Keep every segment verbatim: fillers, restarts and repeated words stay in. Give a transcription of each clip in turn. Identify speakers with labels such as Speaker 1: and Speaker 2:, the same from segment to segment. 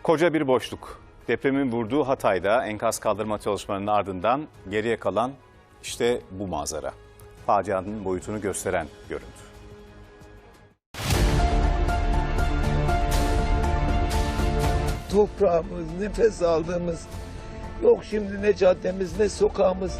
Speaker 1: Koca bir boşluk. Depremin vurduğu Hatay'da enkaz kaldırma çalışmalarının ardından geriye kalan işte bu manzara. Facianın boyutunu gösteren görüntü.
Speaker 2: Toprağımız, nefes aldığımız, yok şimdi ne caddemiz ne sokağımız.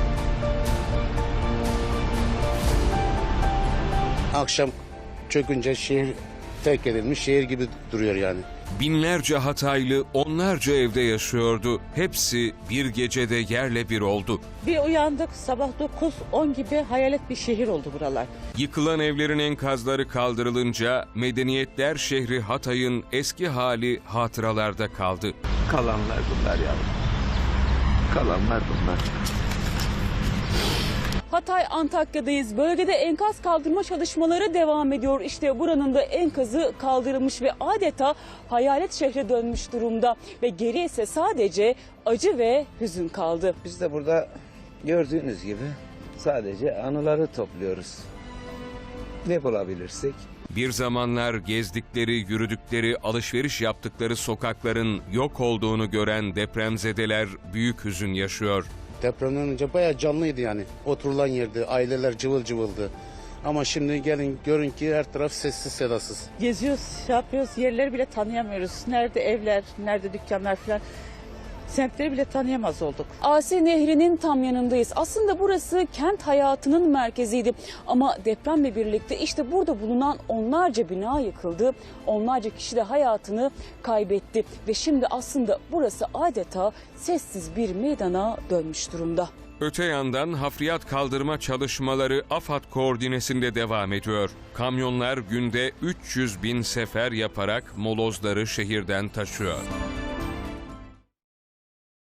Speaker 3: Akşam çökünce şehir terk edilmiş, şehir gibi duruyor yani.
Speaker 4: Binlerce Hataylı onlarca evde yaşıyordu. Hepsi bir gecede yerle bir oldu.
Speaker 5: Bir uyandık sabah dokuz on gibi, hayalet bir şehir oldu buralar.
Speaker 4: Yıkılan evlerin enkazları kaldırılınca medeniyetler şehri Hatay'ın eski hali hatıralarda kaldı.
Speaker 2: Kalanlar bunlar yavrum. Kalanlar bunlar.
Speaker 5: Hatay Antakya'dayız. Bölgede enkaz kaldırma çalışmaları devam ediyor. İşte buranın da enkazı kaldırılmış ve adeta hayalet şehre dönmüş durumda. Ve geriye ise sadece acı ve hüzün kaldı.
Speaker 2: Biz de burada gördüğünüz gibi sadece anıları topluyoruz. Ne bulabilirsek.
Speaker 4: Bir zamanlar gezdikleri, yürüdükleri, alışveriş yaptıkları sokakların yok olduğunu gören depremzedeler büyük hüzün yaşıyor.
Speaker 3: Depremden önce bayağı canlıydı yani. Oturulan yerde aileler cıvıl cıvıldı. Ama şimdi gelin görün ki her taraf sessiz sedasız.
Speaker 5: Geziyoruz, şey yapıyoruz, yerleri bile tanıyamıyoruz. Nerede evler, nerede dükkanlar falan. Semtleri bile tanıyamaz olduk. Asi Nehri'nin tam yanındayız. Aslında burası kent hayatının merkeziydi. Ama depremle birlikte işte burada bulunan onlarca bina yıkıldı. Onlarca kişi de hayatını kaybetti. Ve şimdi aslında burası adeta sessiz bir meydana dönmüş durumda.
Speaker 4: Öte yandan hafriyat kaldırma çalışmaları AFAD koordinesinde devam ediyor. Kamyonlar günde üç yüz bin sefer yaparak molozları şehirden taşıyor.